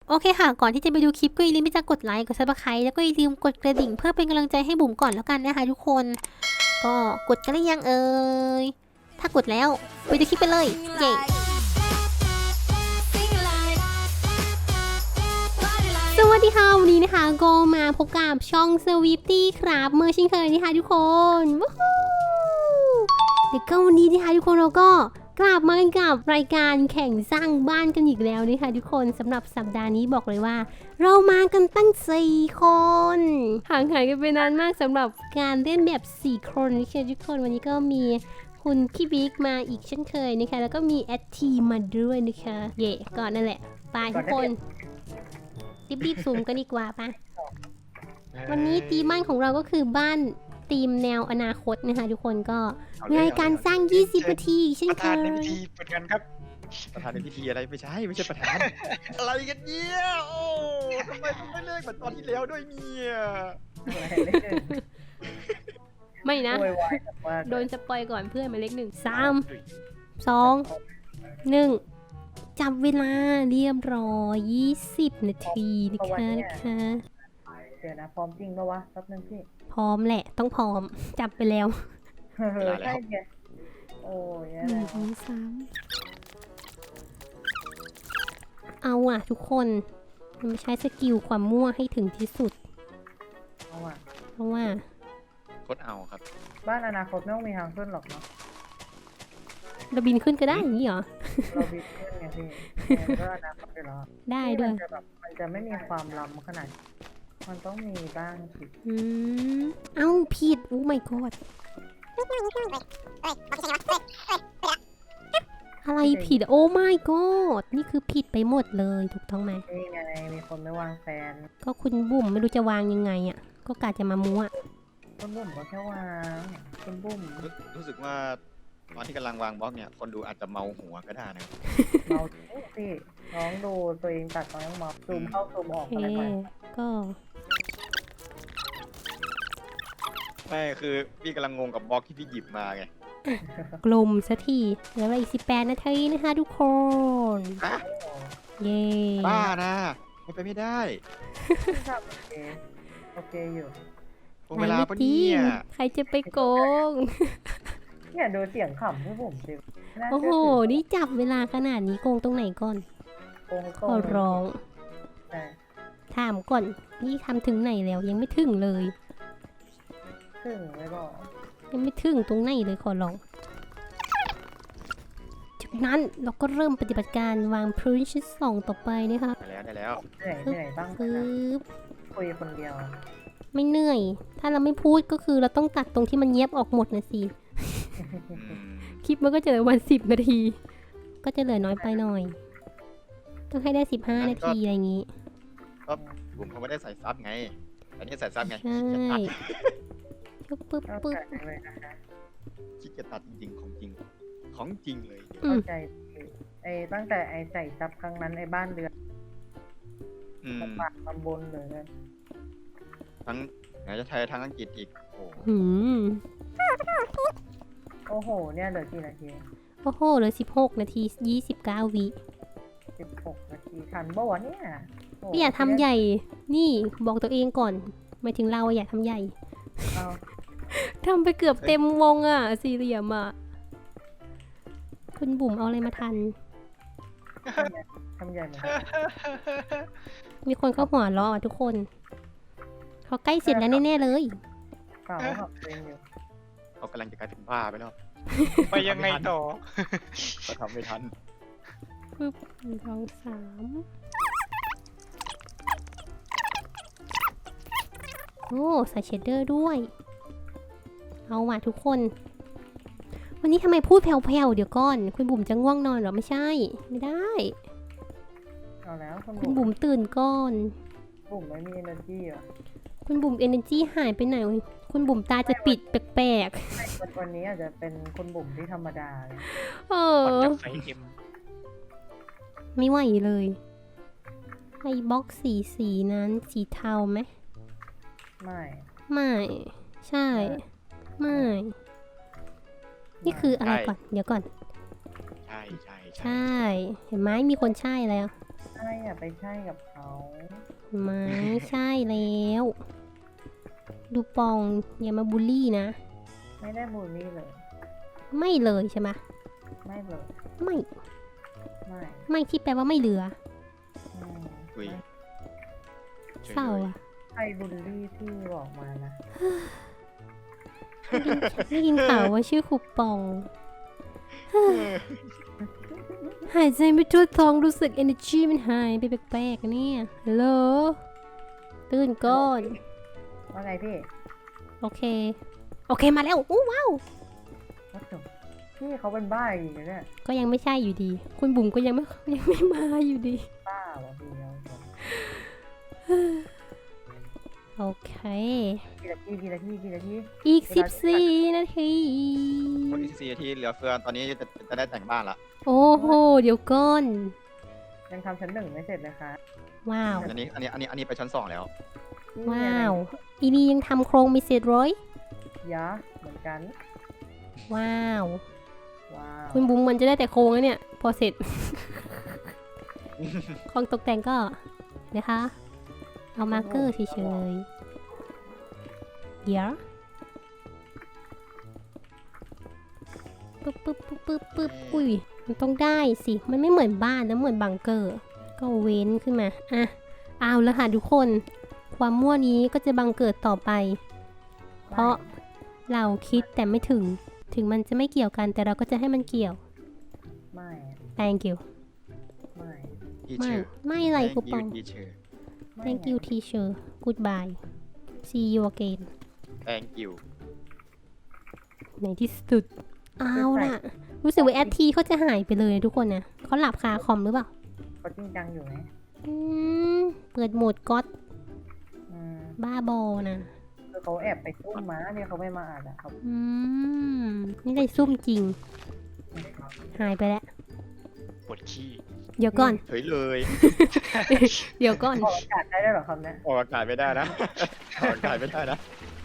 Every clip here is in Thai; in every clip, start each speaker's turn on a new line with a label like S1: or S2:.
S1: โอเคค่ะก่อนที่จะไปดูคลิปก็อย่าลืมที่จะกดไลค์กดซับสไครต์แล้วก็อย่าลืมกดกระดิ่งเพื่อเป็นกำลังใจให้บุ๋มก่อนแล้วกันนะคะทุกคนก็กดกันหรือยังถ้ากดแล้วไปดูคลิปไปเลยเย้สวัสดีค่ะวันนี้นะคะก็มาพบกับช่อง Sweepty ครับเมื่อเช่นเคยนะคะทุกคนวู้ฮู้เดี๋ยวก็วันนี้นะคะทุกคนเราก็กลับมากันกับรายการแข่งสร้างบ้านกันอีกแล้วนะคะทุกคนสำหรับสัปดาห์นี้บอกเลยว่าเรามากันตั้ง4 คนห่างหายกันไปนานมากสำหรับการเล่นแบบ4 คนนะคะทุกคนวันนี้ก็มีคุณพี่บิ๊กมาอีกเช่นเคยนะคะแล้วก็มีแอดทีมาด้วยนะคะเย่ก่อนนั่นแหละไปทุกคนรีบซูมกันดีกว่าปะวันนี้ธีมบ้านของเราก็คือบ้านธีมแนวอนาคตนะคะทุกคนก็รายการสร้าง20 นาทีเช่นเค
S2: ประธาน
S1: ย
S2: ในพิธีเปิดกันครับประธานในพิธีอะไรไม่ใช่ประธาน อะไรกันเนี่ยโอ้ทำไมต้องไม่เลิกเหมือนตอนที่แล้วด้วยเนี่ย
S1: ไม่นะ
S3: โวยวายมาก
S1: โดนสปอยก่อนเพื่อนหมายเลข1 3 2 1จับเวลาเรียบร้อย20 นาทีนะคะ
S3: เดี๋ยวนะพร้อมจริงปะวะแป๊บนึงพี่
S1: พร้อมแหละต้องพร้อมจับไปแล้ว
S3: ใช่ไงโอ้ย
S1: 1 2 3เอาอ่ะทุกคนมันใช้สกิลความมั่วให้ถึงที่สุด
S3: เอาอ่ะ
S1: เพราะว่า
S2: โคตรเอาครับ
S3: บ้านอนาคตไม่ต้องมีทางขึ้นหรอกเนาะ
S1: เราบินขึ้นก็ได้อย่างนี้เหรอ
S3: เราบิดขึ้นไงพี่ก็อนาคตอยู่แล้ว
S1: ได้ด้วย
S3: มันจะไม่มีความล้ำขนาดมันต้องมีบ้างสิ
S1: เอ้าผิดโอ้ my god อะไรผิดโอ้ my god นี่คือผิดไปหมดเลยถูกต้องไหม
S3: นี่ไงมีคนไม่วางแฟน
S1: ก็คุณบุ๋มไม่รู้จะวางยังไงอ่ะก็กะจะมามั่ว
S3: คุณบุ๋มก็แค่วางคุณบุ๋ม
S2: รู้สึกว่าตอนที่กำลังวางบล็อกเนี่ยคนดูอาจจะเมาหัวก็ได้นะครับ
S3: เราพี่น้องดูตัวเองตัดตอนยังมองซูมเข้าซูมออก
S1: โอเค
S3: อะไรไป
S1: ก็
S2: ไม่คือพี่กำลังงงกับบล็อกที่พี่หยิบมาไง
S1: กลมสักทีเหลืออีก18 นาทีนะคะทุกคน
S2: ฮะ
S1: เย้
S2: บ้านะไม่ไปไม่ได้
S3: โอเคโอเคอยู่
S2: คงเวลาปะเนี่ย
S1: ใครจะไปโกง
S3: เนี่ยดูเสียงขำพี่บุ๋มสิน่า
S1: โอ้
S3: เชื่
S1: โห
S3: อถือ
S1: นี่จับเวลาขนาดนี้โกงตรงไหนก่อน
S3: โกง
S1: ขอร้อง
S3: ใช่
S1: ถามก่อนนี่ทำถึงไหนแล้วยังไม่ถึงเลย
S3: ถึงไม่บอก
S1: ยังไม่ถึงตรงไหนเลยขอร้อง จากนั้นเราก็เริ่มปฏิบัติการวางพื้นชั้น2ต่อไปนะคะ
S2: ได้แล้ว
S3: เหนื่อยบ้าง
S1: ปึ๊
S3: นะ
S1: บ
S3: คุยคนเดียว
S1: ไม่เหนื่อย ถ้าเราไม่พูดก็คือเราต้องตัดตรงที่มันเย็บออกหมดนะสิ
S2: อืม
S1: คลิปมันก็จะเหลือวัน10 นาที ก็จะเหลือน้อยไปหน่อย ต้องให้ได้15 นาทีอะไรอย่างนี้
S2: ก็ผมเขาไม่ได้ใส่ซับไงอันนี้ใส่ซับไง
S1: ใช่ ปึ๊บ
S3: เข้า
S1: ปึ๊บ
S3: ใจเลยนะคะ
S2: คิดจะตัดจริงของจริงของจริงเลย
S1: อื
S3: เข้าม ใจไอ้ตั้งแต่ไอ้ใส่ซับครั้งนั้นไอ้บ้านเรือน
S2: อืม
S3: ลำบากลำบนเลยนะ
S2: ทั้งไหนจะไทยทั้งอังกฤษอีกโอ้
S1: หืม
S3: โอ้โหเนี่ยเหลือกี่นาที
S1: โอ้โหเหลือ16 นาที 29 วิ
S3: 16 นาทีทันบ่วะเนี่ยโ
S1: ไม่อยากทำใหญ่ นี่บอกตัวเองก่อนหมายถึงเราอะอยากทำใหญ่
S3: เอา
S1: ทำไปเกือบเต็มวงอะสี่เหลี่ยมอะคุณบุ๋มเอาอะไรมาทัน
S3: ทำใหญ่เหมือน
S1: มีคนเข้าหัวเราะอะทุกคน เขาใกล้เสร็จแล้วแน่ๆเลย
S3: เปล่าขับเองอยู่
S2: เขากำลังจะกลายเป็นบ้าไปแล้ว
S4: ไปยังไงต่อ
S2: ก็ทำไม่ทัน
S1: ปึ๊บ1 2 3โอ้ใส่เชดเดอร์ด้วย เอาว่ะทุกคน วันนี้ทำไมพูดแผ่วๆเดี๋ยวก่อน คุณบุ๋มจะง่วงนอนเหรอไม่ใช่ ไม่ได้
S3: เอาแล้วคุณ
S1: คุณบุ๋มตื่นก่อน
S3: บุ๋มไม่มี energy เหรอ
S1: คุณบุ๋มเอเนอร์จีหายไปไหน คุณบุ๋มตาจะปิดแปลก
S3: วันนี้อาจจะเป็นคุณบุ๋มที่ธรรมดาเลย
S1: ๆ เอ
S4: ก่อน
S1: อ
S4: จากไฟเอ็ม
S1: ไม่ไหวเลยไอ้บล็อกสีนั้นสีเทาไหม
S3: ไม่
S1: ไม่ ใช่ ไม่ นี่คืออะไรก่อน เดี๋ยวก่อน
S2: ใช่ใช่
S1: ใช่ เห็นไหมมีคนใช่แล้ว
S3: ใใช่อย่าไปใช่กับเขา
S1: ไม่ใช่แล้ว ดูปองอย่ามาบูลลี่นะ
S3: ไม่ได้บูลลี่เลย
S1: ไม่เลยใช่ไหม
S3: ไม่เลย
S1: ไม่
S3: ไม่
S1: ไม่ที่แปลว่าไม่เหลือ
S3: อืม
S2: อุ้ย
S1: เศร้าอะ
S3: ใครบูลลี่พี่บอกมานะ
S1: ได้ยินข่าวว่าชื่อครูปอง หายใจไม่ทั่วท้องรู้สึก energy มันหายไปแปลกๆอะเนี่ยฮัลโหลตื่นก่อน
S3: ว่าไงพี่
S1: โอเค โอเคมาแล้วอู้ว้าว
S3: ว่าจบพี่เขาเป็นบ้าอีกแล้วเนี่ย
S1: ก็ยังไม่ใช่อยู่ดี คุณบุ๋มก็ยังไม่มาอยู่ดี
S3: บ้าเหรอพี่เอาจบ
S1: โอเค
S3: กี่นาที
S1: อีก14 นาที
S2: คนอีก4 นาทีเหลือเฟือตอนนี้จะได้แต่งบ้านละ
S1: โอ้โห เดี๋ยวก่อน
S3: ยังทำชั้น 1ไม่เสร็จเลยค่ะ
S1: ว้าว
S2: อันนี้ไปชั้น 2แล้ว
S3: พี่
S1: ว้า
S3: อะไร
S1: ว อีนี่ยังทำโครงไม่เสร็จร้อย
S3: ยะเหมือนกัน
S1: ว้าว
S3: ว้าว
S1: คุณบุ๋มมันจะได้แต่โครงแล้วเนี่ย พอเสร็จ ของตกแต่งก็นะคะ เอามาร์กเกอร์เฉยๆ เดี๋ยวปึ๊บอุ้ย มันต้องได้สิ มันไม่เหมือนบ้านนะเหมือนบังเกอร์ ก็เว้นขึ้นมา อ่ะ เอาแล้วค่ะทุกคน ความมั่วนี้ก็จะบังเกิดต่อไป เพราะเราคิดแต่ไม่ถึง ถึงมันจะไม่เกี่ยวกันแต่เราก็จะให้มันเกี่ยว
S3: ไม่
S1: thank you
S3: ไม่
S2: ที
S1: ไม่
S2: เชอร์
S1: ไม่อะไรคูปอง
S2: ทีเชอร์
S3: ไม่
S1: thank you teacher goodbye see you again
S2: thank you
S1: ในที่สุด เอาล่ะ รู้สึกว่าแอดทีเขาจะหายไปเลยทุกคนนะเขาหลับคาคอมหรือเปล่า
S3: เขาจริงจังอยู่ไหม
S1: อืม เปิดโหมดก๊อต
S3: อืม
S1: บ้าบอนะ
S3: คือเขาแอบไปซุ่มมาเนี่ยเขาไม่มาอ่านอ่ะเขา
S1: อืม นี่ได้ซุ่มจริง หายไปแล้ว
S4: ปวดขี้
S1: เดี๋ยวก่อน
S2: เฉยเลย
S1: เดี๋ยวก่อน
S3: ออกอากาศได้ด้วยเหรอคำเนี้ย
S2: ออกอากาศไม่ได้นะออกอากาศไม่ได้นะ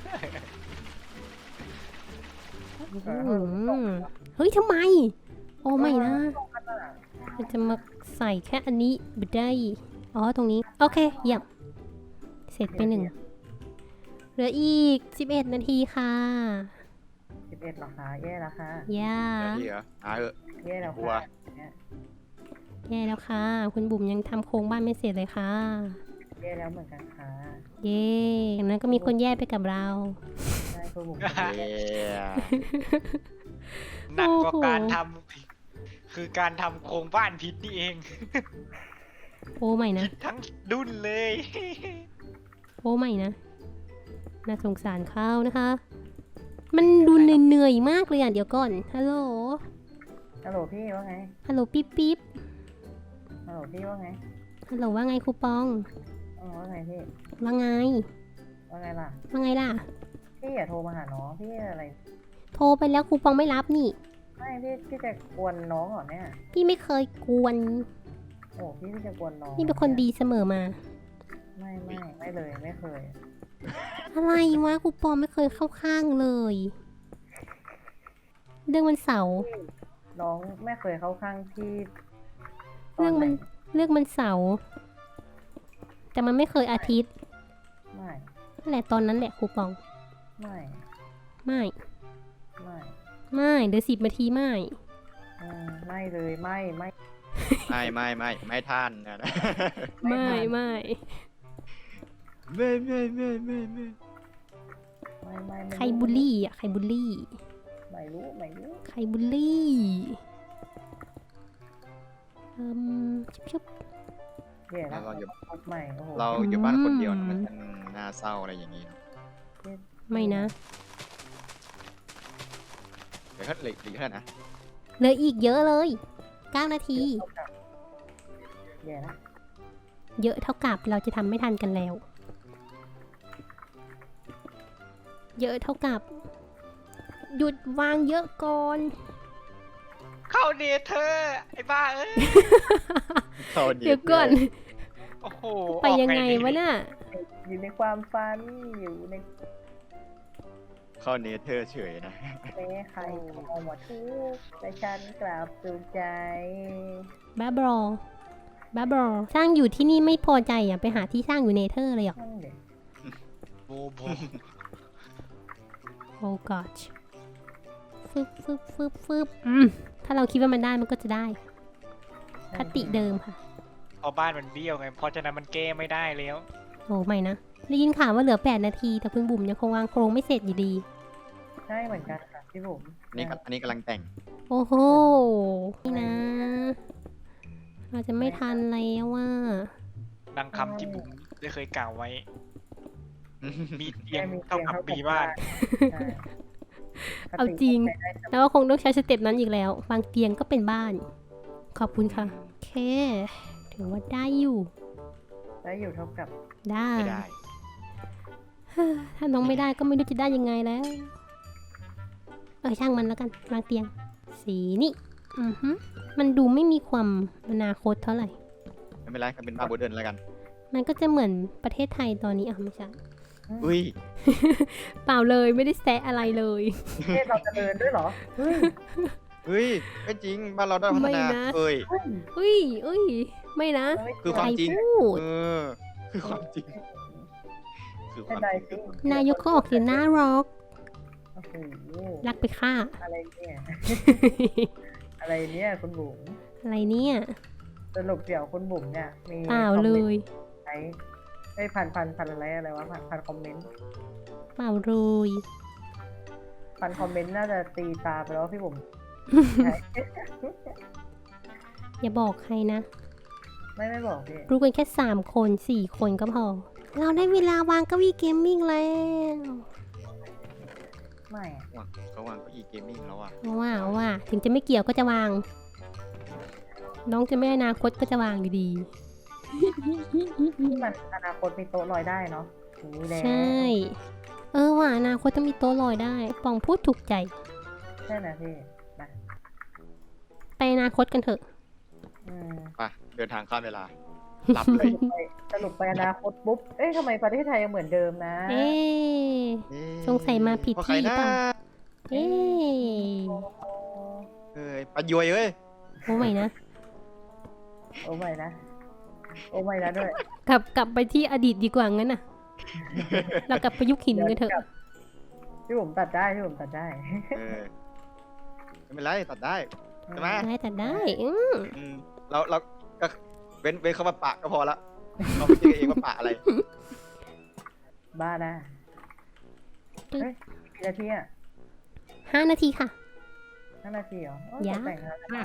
S1: เฮ้ยทำไม โอ้ไม่นะ มันจะมาใส่แค่อันนี้ไม่ได้ อ๋อ ตรงนี้ โอเค เยี่ยม เสร็จไป1 เหลืออีก 11 นาทีค่ะ
S3: 11เหรอคะแย่แล้วค่ะ
S1: ย่า
S2: ที่เหรอเหอะ
S3: แย่แล้ว
S2: กลัว
S3: ค่ะเนี่ย
S1: แย่แล้วค่ะ คุณบุ๋มยังทำโครงบ้านไม่เสร็จเลยค่ะ
S3: แย่แล้วเหมือนกันค่ะ
S1: เย่อย่างนั้นก็มีคนแย่ไปกับเรา
S3: ใช่คือผม
S2: เย้
S4: หนักกว่า
S1: โอ้โห
S4: การทำคือการทำโครงบ้านผิดนี่เอง
S1: โอ้ไม่นะ
S4: ทั้งดุนเลย
S1: โอ้ไม่นะ น่าสงสารเขานะคะ มันดูเหนื่อยๆมากเลยอ่ะ เดี๋ยวก่อน ฮัลโหล
S3: ฮัลโหลพี่ว่าไง
S1: ฮัลโหลปิ๊บปิ๊บ
S3: ฮัลโหลพี่ว่าไง
S1: ฮัลโหลว่าไงครูปอง
S3: ว่าไงพี่
S1: ว่าไง
S3: ว่าไงล่ะ
S1: ว่าไงล่ะ
S3: พี่อย่าโทรมาหาน้องพี่อะไร
S1: โทรไปแล้วครูปองไม่รับนี่
S3: ไม่พี่จะกวนน้องเหรอเนี่ย
S1: พี่ไม่เคยกวน
S3: โอ้พี่จะกวนน้อง
S1: นี่เป็นคนดีเสมอมา
S3: ไม่เลยไม่เคย
S1: อะไรวะครูปองไม่เคยเข้าข้างเลย เรื่องวันเสาร์
S3: น้องไม่เคยเข้าข้างพี่ต
S1: เรื่อง
S3: ไห
S1: มันเสาร์แต่มันไม่เคยอาทิตย์
S3: ไม่
S1: นั่นแหละตอนนั้นแหละครูปอง
S3: ไม่
S1: ไม่
S3: ไม่
S1: ไม่เดี๋ยว10 นาทีไม่
S3: ไม่เลยไม่
S2: ไม่ท่านนะ
S1: ไม่
S2: ไม่
S1: ใครบูลลี่อ่ะ ใครบูลลี่
S3: ไม่รู้
S1: ใครบูลลี่ชุบ
S3: เดี๋ยวนะพูดใหม่โอ้โห
S2: เราอยู่บ้านคนเดียวนะมันน่าเศร้าอะไรอย่างนี้
S1: ๆไม่นะ
S2: เดี๋ยวก็เหลืออีกเท่าไหร่นะ
S1: เหลืออีกเยอะเลย9 นาที
S3: เดี๋ยวนะ
S1: เยอะเท่ากับเราจะทำไม่ทันกันแล้ว เยอะเท่ากับ หยุดวางเยอะก่อน
S4: เข้าเนเธอร์ไอ้บ้าเอ้ย
S1: เดี๋ยวก่อน
S4: โอ้โห
S1: ไปยังไงวะน่ะ
S3: อยู่ในความฝันอยู่ใน
S2: เข้าเนเธอร์เฉยนะ
S3: แม้ใครเอาหมดทุกแต่ฉันกลับสุขใจ
S1: บ้าบอบ้าบอสร้างอยู่ที่นี่ไม่พอใจอ่ะไปหาที่สร้างอยู่เนเธอร์เลยอ่ะ
S3: นั่นเด็ก
S4: โบโบ
S1: โอ้กอดฟึบถ้าเราคิดว่ามันได้มันก็จะได้คติเดิมค่ะ
S4: พอบ้านมันเบี้ยวไงเพราะฉะนั้นมันแก้ไม่ได้แล้ว
S1: โอ้ไม่นะได้ยินข่าวว่าเหลือ8 นาทีแต่คุณบุ๋มยังคงวางโครงไม่เสร็จอยู่ดี
S3: ใช่เหมือนกันค่ะพี่บุ๋ม
S2: อันนี้กำลังแต่ง
S1: โอ้โหนี่นะ เราจะไม่ทันแล้วว่า
S4: ดังคำที่บุ๋มได้เคยกล่าวไว้ มีเตียงเท่ากับมีบ้าน
S3: ใช่
S1: เอาจริง แล้วก็คงต้องใช้สเต็ปนั้นอีกแล้ววางเตียงก็เป็นบ้าน ขอบคุณค่ะ โอเค ถือว่าได้อยู่
S3: ได้อยู่เท่ากับ
S1: ได้
S2: ไม่ได้
S1: ถ้าน้องไม่ได้ก็ไม่รู้จะได้ยังไงแล้ว ช่างมันแล้วกันวางเตียง สีนี่มันดูไม่มีความอนาคตเท่าไหร่
S2: ไม่เป็นไรก็เป็นบ้านโมเดิร์นแล้วกัน
S1: มันก็จะเหมือนประเทศไทยตอนนี้ไม่ใช่
S2: อุ้ย
S1: เปล่าเลยไม่ได้แซะอะไรเลย
S3: เทศเราเจริญด้วยเหรอเฮ้ย
S2: เฮ้ยไม่จริงบ้านเราได้พัฒ
S1: ไม่
S2: นา
S1: นะ
S2: เอ้ย
S1: อุ้ยไม่นะ
S2: คือความจริง
S1: ใคพูด
S2: เออคือความจริงคือความ
S3: ได้
S2: จริ
S3: สิ
S2: ง
S1: นายกก็ออกเสียงน่ารัก
S3: โอ้โห
S1: รักไปฆ่า
S3: อะไรเนี่ย อะไรเนี่ยคุณบุ๋ม
S1: อะไรเนี่ย
S3: สรุปเดี๋ยวคุณบุ๋มเนี่ยมี
S1: เปล่าเลย
S3: ใช้ได้พันอะไรวะพันคอมเมนต์
S1: เปล่าเลย
S3: พันคอมเมนต์น่าจะตีตาไปแล้วพี่บุ๋ม
S1: อย่าบอกใครนะ
S3: ไม่บอกพี่
S1: รู้กันแค่3 คน 4 คนก็พอ เราได้เวลาวางเก้าอี้เกมมิ่งแล้ว
S3: ไม่อะ
S2: เขาวางเก้าอี้เกมมิ่งแล้วอ่ะ
S1: เอาว่าถึงจะไม่เกี่ยวก็จะวาง น้องจะไม่อนาคตก็จะวางอยู่ดี
S3: ที่มันอนาคตมีโต๊ะลอยได้เนาะอย่างนี้แล้ว
S1: ใช่ ว่าอนาคตต้องมีโต๊ะลอยได้ปองพูดถูกใจ
S3: ใช่นะพี่นะ
S1: ไปอนาคตกันเถอะ
S3: อืม
S2: ไปเดินทางข้ามเวลาหลับเลย
S3: สรุปไปอนาคตปุ๊บ เอ๊ะทำไมประเทศไทยยังเหมือนเดิมนะ
S1: เอ๊ะ สงสัยมาผิด
S2: เพระใคร
S1: ที่
S2: นะ
S1: เปล่า เอ๊ะ
S2: เอ้ยปะยวยเอ้ย
S1: โอ้ไม่นะ
S3: โอ้ไม่นะ โอ้ไม่นะด้วย
S1: กลับไปที่อดีตดีกว่างั้นน่ะ เรากลับไปยุคหินกันเถอะ
S3: พี่ผมตัดได้พี่ผมตัดได้
S2: เออไม่เป็นไรตัดได้ ใช่ไหม
S1: ได้แต่ได้
S2: อืมเราก็เว้นคำว่าปะก็พอละเราไม่คิดกันเองว่าปะอะไร
S3: บ้านะเฮ้ยกี่นาทีอ่ะ
S1: 5 นาทีค่ะ
S3: 5 นาทีเหรอโอ้
S1: ยะ
S3: ตกแต่งงานแล้ว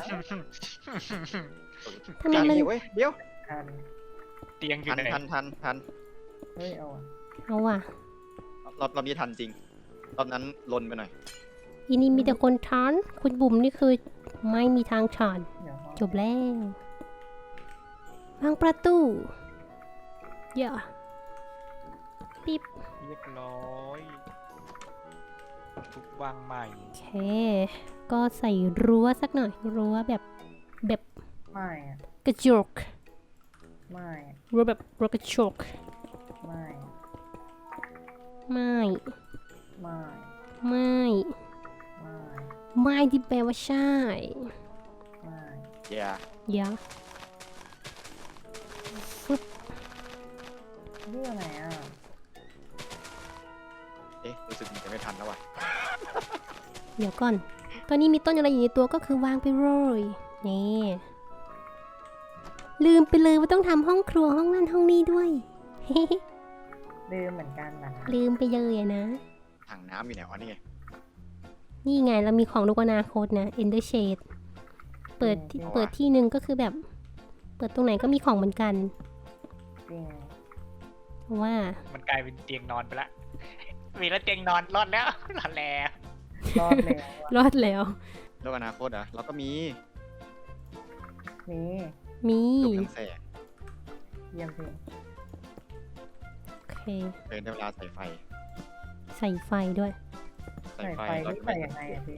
S1: ทำไมมัน
S2: เว้ยเดี๋ยว
S3: ทัน
S4: เตียงอยู่
S2: ทัน
S4: ไหน
S2: ทัน
S3: เฮ้ยเอาอะ
S1: เอาว่ะ
S2: รอบนี้ทันจริงรอบนั้นลนไปหน่อย
S1: ทีนี้มีแต่คนทานคุณบุ๋มนี่คือไม่มีทางทาน
S3: เดี๋ยว
S1: จบแล้ววางประตูเยอะปิ๊บ
S4: เรียบร้อยทุกวางใหม่
S1: โอเค ก็ใส่รั้วสักหน่อย รั้วแบบ
S3: ไม่อะ
S1: กระจก
S3: ไม่อะ
S1: รั้วแบบรั้วกระจก
S3: ไม่อะ
S1: ไม่
S3: ไม่
S1: ไม่
S3: ไม่
S1: ไม่ที่แปลว่าใช่
S3: ไม่
S2: อย่า
S1: เดี๋ยว
S3: เรื่องไหนอ่ะ
S2: เอ๊ะรู้สึกมันจะไม่ทันแล้วว่ะ
S1: เดี๋ยวก่อน ตอนนี้มีต้นอะไรอยู่ในตัวก็คือวางไปเลยนี่ลืมไปเลยว่าต้องทำห้องครัวห้องนั่นห้องนี้ด้วย
S3: ลืมเหมือนกันนะ
S1: ลืมไปเลยอะนะ
S2: ถังน้ำอยู่ไหนวะนี่ไง
S1: นี่ไงเรามีของลูกอนาคตนะ Ender Shade เปิดที่หนึ่งก็คือแบบ เปิดตรงไหนก็มีของเหมือนกัน
S3: จริง
S1: เพราะว่า
S4: มันกลายเป็นเตียงนอนไปละ มีแล้วเตียงนอนรอดแล้วรอดแล้ว
S3: รอดแล้วอะ
S1: รอดแล้ว
S2: โลกอนาคตอ่ะเราก็มี
S3: มี
S1: มี
S2: ลูกทั้งแสง
S3: เยี่ยมพี่
S1: โอเค
S2: เดินได้เวลาใส่ไฟ
S1: ใส่ไฟด้วย
S2: ใส่
S3: ใส่
S2: ไฟ
S3: ไฟ
S2: เรา
S3: นี่
S2: จะ
S3: ใส่
S2: ไม่
S3: ยังไงอะพี่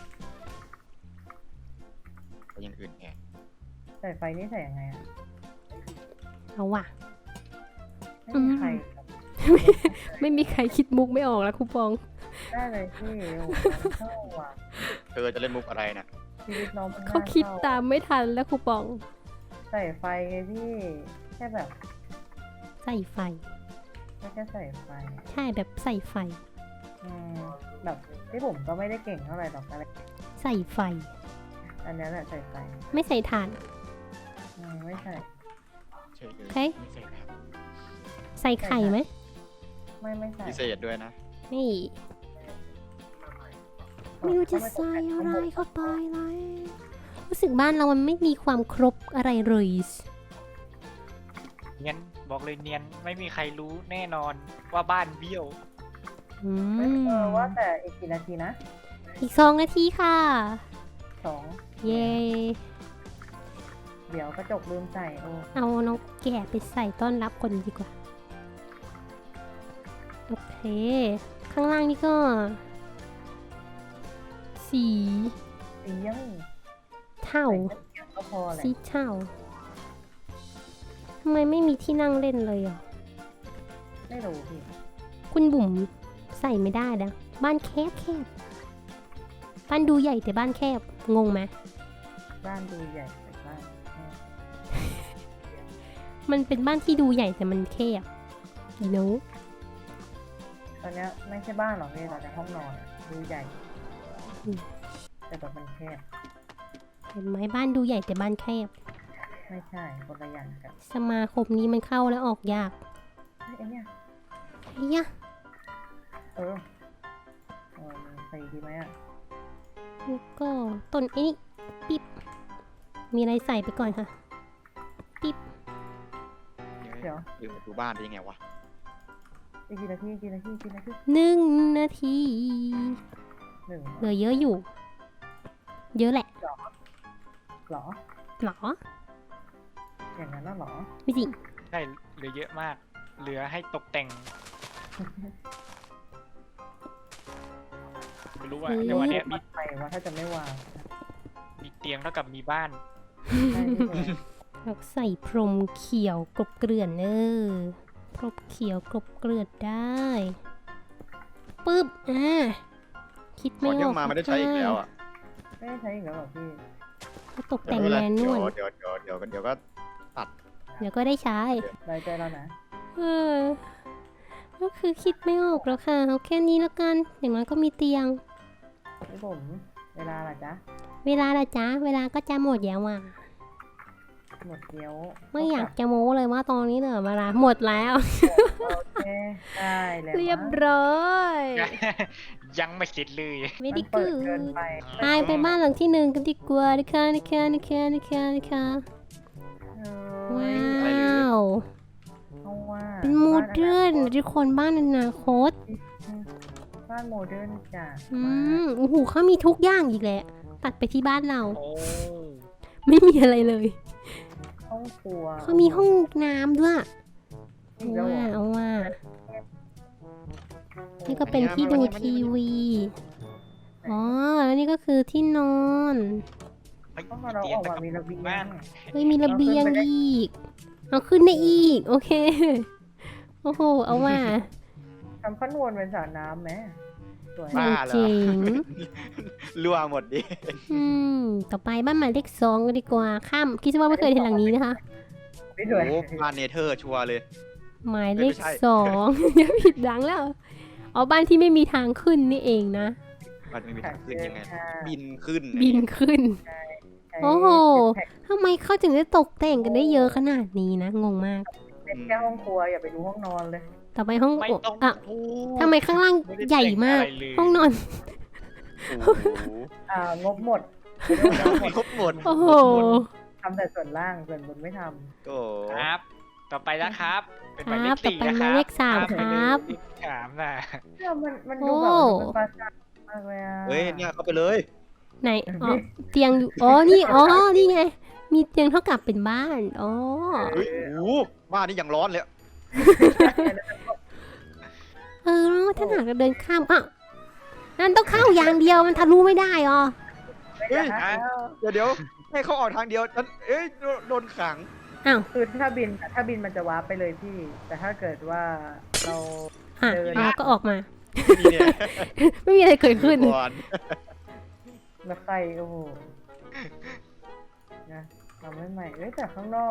S2: ไปอยังอื่นแทน
S3: ใส่ไฟนี่ใส่ยังไงอ่ะ
S1: เอาว่ะ
S3: ไม่มีใครครับ
S1: ไม่มีใครคิดมุกไม่ออกแล้วคูปอง
S3: ได้เลยพี่โอ้โหมันเข้าว่ะ
S2: เธอจะเล่นมุกอะไรน่ะ
S3: ชีวิตน้องมันน่
S1: เขาคิด
S3: เข้
S1: ตามไม่ทันแล้วคูปอง
S3: ใส่ไฟไงพี่แค่แบบ
S1: ใส่ไฟ
S3: แค่ใส่ไฟ
S1: ใช่แบบใส่ไฟ
S3: อืมแบบที่ผมก็ไม่ได้เก่งเท่าไหร่หรอกอะไร
S1: ใส่ไฟ
S3: อันนี้แหละใส่ไฟ
S1: ไม่ใส่ถ่าน
S3: ไม่ใส่
S2: ใช่เลย
S1: เฮ้ย
S2: ไม่ใช่ครับ
S1: ใส่ไข่ไหม
S3: ไม่ใส่
S2: พิเศษด้วยนะ
S1: นี่ไม่รู้จะใส่อะไรเข้าไปเลยรู้สึกบ้านเรามันไม่มีความครบอะไรเลย
S4: เนียนบอกเลยเนียนไม่มีใครรู้แน่นอนว่าบ้านเบี้ยว
S1: อืม
S3: ว่าแต่อีกกี่นาทีนะ
S1: อีก2 นาทีค่ะ
S3: 2
S1: เย้
S3: เดี๋ยวกระจกลืมใส่โอ้
S1: เอาน้องแกะไปใส่ต้อนรับคนดีกว่า โอเค ข้างล่างนี่ก็ สี
S3: สียัง
S1: เทา
S3: ก็พอแหละ
S1: สีเทาทำไมไม่มีที่นั่งเล่นเลยอ่ะ
S3: ไม่รู้พี่
S1: คุณบุ๋มใส่ไม่ได้นะบ้านแคบแคบบ้านดูใหญ่แต่บ้านแคบ งงไหม
S3: บ้านดูใหญ่แต่บ้าน
S1: มันเป็นบ้านที่ดูใหญ่แต่มันแคบ you know
S3: ตอนเนี้ยไม่ใช่บ้านหรอกพี่ตอนนี้ห้องนอนอะดูใหญ่
S1: อืม
S3: แต่แบบมันแคบ
S1: เห็นไหมบ้านดูใหญ่แต่บ้านแคบ
S3: ไม่ใช่คนละอย่างกัน
S1: สมาคมนี้มันเข้าแล้วออกยาก
S3: ไอ้เนี่ย
S1: ไอ้ยะ
S3: เออมันใส่ดีไหมอ่ะ
S1: แล้วก็ต้นไอ้นี่ปิ๊บ มีอะไรใส่ไปก่อนค่ะ ปิ๊บ
S3: เดี๋ยว
S2: อยู่ประตูบ้านได้ยังไงวะ
S3: อีกกี่นาทีกี่นาทีกี่นาที
S1: 1 นาที
S3: หนึ่ง
S1: เหลือเยอะอยู่ เยอะแหละ
S3: หรอ
S1: หรอ
S3: อย่างนั้นน่ะหรอ
S1: ไม่จริง
S4: ใช่เหลือเยอะมาก เหลือให้ตกแต่งไม่รู้ว่าในวันเนี้ยมี
S3: ไปว่าถ้าจะไม่วาง
S4: มีเตียงเท่ากับมีบ้าน
S3: ใช่พี่เลย
S1: เราใส่พรมเขียวกลบเกลื่อนพรมเขียวกลบเกลื่อนได้ปึ๊บคิด
S2: ก่
S1: ไม่
S2: อน
S1: อ
S2: ที่
S1: อก
S2: มาไม่ได้ใช้อีกแล้วอ่ะ
S3: ไม่ได้ใช้อีกแล้วเหรอพี่
S1: ก็ตกแต่งแมนนวล
S2: เดี๋ยวก็
S1: เดี๋ยวก็ได้ใช้
S3: รายใจแล้วนะ
S1: เออก็คือคิดไม่ออกแล้วค่ะเอาแค่นี้แล้วกัน อย่างน้อยก็มีเตียง
S3: พี่ผมเวลาล่ะจ๊ะ
S1: เวลาละจ้าเวลาก็จะหมดแล้วอ่ะ
S3: หมดเกี้ยว
S1: ไม่อยากจะโม้เลยว่าตอนนี้เหลือเวลาหมดแล้ว
S3: โอเคได้แล้ว
S1: เรียบร้อย
S4: ยังไม่เสร็จเลย
S1: ไม่ได้
S3: เปิ
S1: กู
S3: ดเกินไป
S1: ไปบ้านหลังที่ 1กันดีกว่านะคะ
S3: เอ้ย
S1: ว้าว
S3: เพราะว่า
S1: เป็นโมเดิร์นทุกคนบ้านอนาคต
S3: บ้านโมเดิร์นจ้ะ
S1: โอ้โหเขามีทุกอย่างอีกแหละ ตัดไปที่บ้านเรา
S4: โอ้
S1: ไม่มีอะไรเลย
S3: ห้องครัว
S1: เขามีห้องน้ำด้วย
S3: อีกแล้วเหรอ
S1: เอาว่านี่ก็เป็นที่ดูทีวี อ๋อ แล้วนี่ก็คือที่นอน
S4: ไม่
S3: ห้อง
S4: มี
S3: เรา
S4: เตีย
S3: อง อก
S4: แต่
S3: มา
S4: กับ
S3: มีระเบีย
S4: บ้าง น
S1: เฮ้ยมีระเบียงอีก เอาขึ้นได้อีก โอเค โอ้โห เอาว่า
S3: ทำขั้นวนเป็นสระน้ำไหมสวย
S2: บ้าเหรอ
S1: เจ๋ง
S2: รั่วหมดดิ
S1: ต่อไปบ้านหมายเลข 2กันดีกว่า ข้ามคิดว่าไม่เคยเห็นหลังนี้นะคะ
S3: ไม่สวย
S2: โอ้บ้านเนเธอร์ชัวร์เลย
S1: หมายเลข
S2: ไม่ใช่
S1: 2 อย่าผิดหลังแล้ว อ๋อ บ้านที่ไม่มีทางขึ้นนี่เองนะ
S2: บ้านไม่มีทางขึ้นยังไง
S3: ค่ะ
S2: บินขึ้น
S1: บินขึ้น
S3: ใช้
S1: โอ้โห ทำไมเขาถึงได้ตกแต่งกันได้เยอะขนาดนี้นะ งงมาก
S3: เป็นแค่ห้องครัวอย่าไปดูห้องนอนเลย
S1: ต่อไปห้อง
S4: ไม่ต้อง
S1: อ่ะ
S4: พูด
S1: ทำไมข้างล่าง
S4: ไม่ได้
S1: ใหญ่มาก
S4: แต่งอะไรเลย
S1: ห้องนอน
S2: โอ้โห
S3: งบหมด
S2: ครบหมด
S1: โอ้โห
S3: ทำแต่ส่วนล่างส่วนบนไม่ท
S2: โอ้โห
S4: ครับ ต่อไปนะครับ เป็นหมายเล
S1: ครั
S4: ข
S1: บ
S4: สี่
S1: ต่อไป
S4: นะค
S1: หมา
S4: รั
S1: ย
S4: บ
S1: เลข 3 ครับ
S4: เลขสามน่ะ
S3: ำเนี่ยมันดู
S1: โอ้
S3: แบบมันเป็นปราสาทมากเลยอ่ะ
S2: เฮ้ยเนี่ยเข้าไปเลย
S1: ไหน อ๋อ เตียงอยู่ อ๋อ นี่ อ๋อ นี่ไง มีเตียงเท่ากับเป็นบ้าน อ๋อ
S2: เฮ้ยโอ้โหบ้านนี่ยังร้อนเลย
S1: แล้วถ้าหากเราเดินข้ามอ่ะนั่นต้องเข้าอย่างเดียวมันทะลุไม่ได้อ๋อ
S2: เฮ้ย เดี๋ยวให้เขาออกทางเดียวฉันเอ้ยโดนขัง
S1: อ้าว
S3: คือถ้าบินมันจะวาร์ปไปเลยพี่ แต่ถ้าเกิดว่าเรา
S1: อ่ะ
S3: เดิน
S1: เราก็ออกมา
S2: นี่เนี่ย
S1: ไม่มีอะไรเกิดขึ้น
S2: ก่อน
S3: รถไฟโอ้โหนะทำให้ใหม่เอ้ยแต่ข้างนอก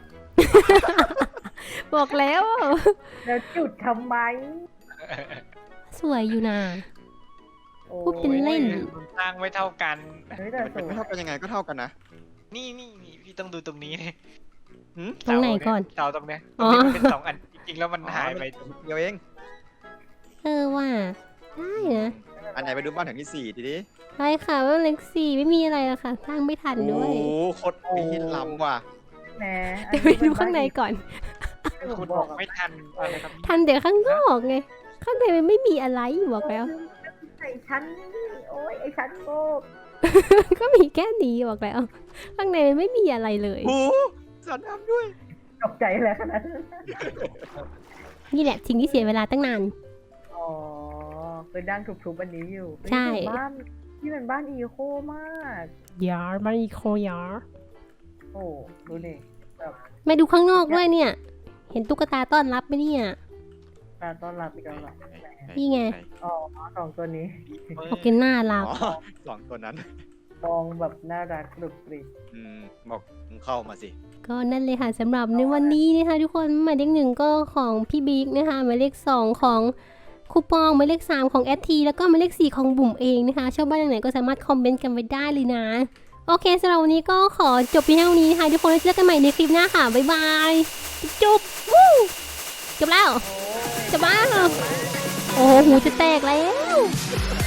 S1: บอกแล้ว
S3: แล้วจุดทำไม
S1: สวยอยู่นะ
S3: โอ้
S1: พูดเป็นเล่น
S4: มันสร้างไม่เท่ากัน
S3: เฮ้ยแต่
S2: มัน
S3: ส
S2: เป็น
S3: ว
S2: ไม่
S3: ย
S2: เท่ากันยังไงก็เท่ากันนะ
S4: นี่พี่ต้องดูตรงนี้เลย
S2: หืม
S1: ตรงไหนก่อน
S4: เสาตรงเนี้ย
S1: อ๋อ
S4: มันเป็น2 อันจริงๆแล้วมันหายไป
S2: เดียวเอง
S1: ว่าได้นะ
S2: อันไหนไปดูบ้านหลังที่4ทีนี้
S1: ใช่ค่ะว่าเล็กสี่ไม่มีอะไรแล้วค่ะสร้างไม่ทัน
S2: โอ้
S1: ด้วย
S2: โหโคตรปีนล้ำว่ะ
S3: แหม
S1: เดี๋ยวไปดูข้างในก่อน
S3: ที่ผ
S4: คุ
S3: ม
S4: ณ
S3: บบ อ
S4: อก กไม่ทันอะไรครับ
S1: ทันเดี๋ยวข้างนอกไง ข้างในมันไม่มีอะไรบอกแล้ว
S3: ไอ้ชั้นนี่โอ้ยไอ้ชั้นโง่
S1: ก็มีแค่นี้บอกแล้ว ข้างในมันไม่มีอะไรเลย
S2: โอ้โหสันน้ำด้วย
S3: ตกใจเลยขนาดนั้น
S1: นี่แหละสิ่งที่เสียเวลาตั้งนาน
S3: อ๋อคือดังทุบๆอันนี้อยู่
S1: ใช่
S3: นี่บ้านที่เป็นบ้านอีโคมาก
S1: ยาร์มันอีโคยาร์
S3: โอ้ดูดิแบบ
S1: มาดูข้างนอกด้วยเนี่ย เห็นตุ๊กตาต้อนรับไหมเนี่ย
S3: การต้อนรับอีกแล้วเหรอ
S1: นี่ไง
S3: อ๋อสองตัวนี้
S1: โอเคน่ารัก
S2: อ๋อ2ตัวนั้น
S3: มองแบบน่ารักกรุบกริบ
S2: บอกมึงเข้ามาสิ
S1: ก็นั่นเลยค่ะสำหรับในวันนี้นะคะทุกคนหมายเลข1ก็ของพี่บิ๊กนะคะหมายเลข2ของคูปองหมายเลข3ของแอทีแล้วก็หมายเลข4ของบุ๋มเองนะคะชอบบ้านไหนก็สามารถคอมเมนต์กันไว้ได้เลยนะโอเคสำหรับวันนี้ก็ขอจบเพียงเท่านี้นะคะทุกคนแล้วเจอกันใหม่ในคลิปหน้าค่ะบ๊ายบายจุ๊บวู้จบแล้วจบแล้วโอ้โหหูจะแตกแล้ว
S3: โ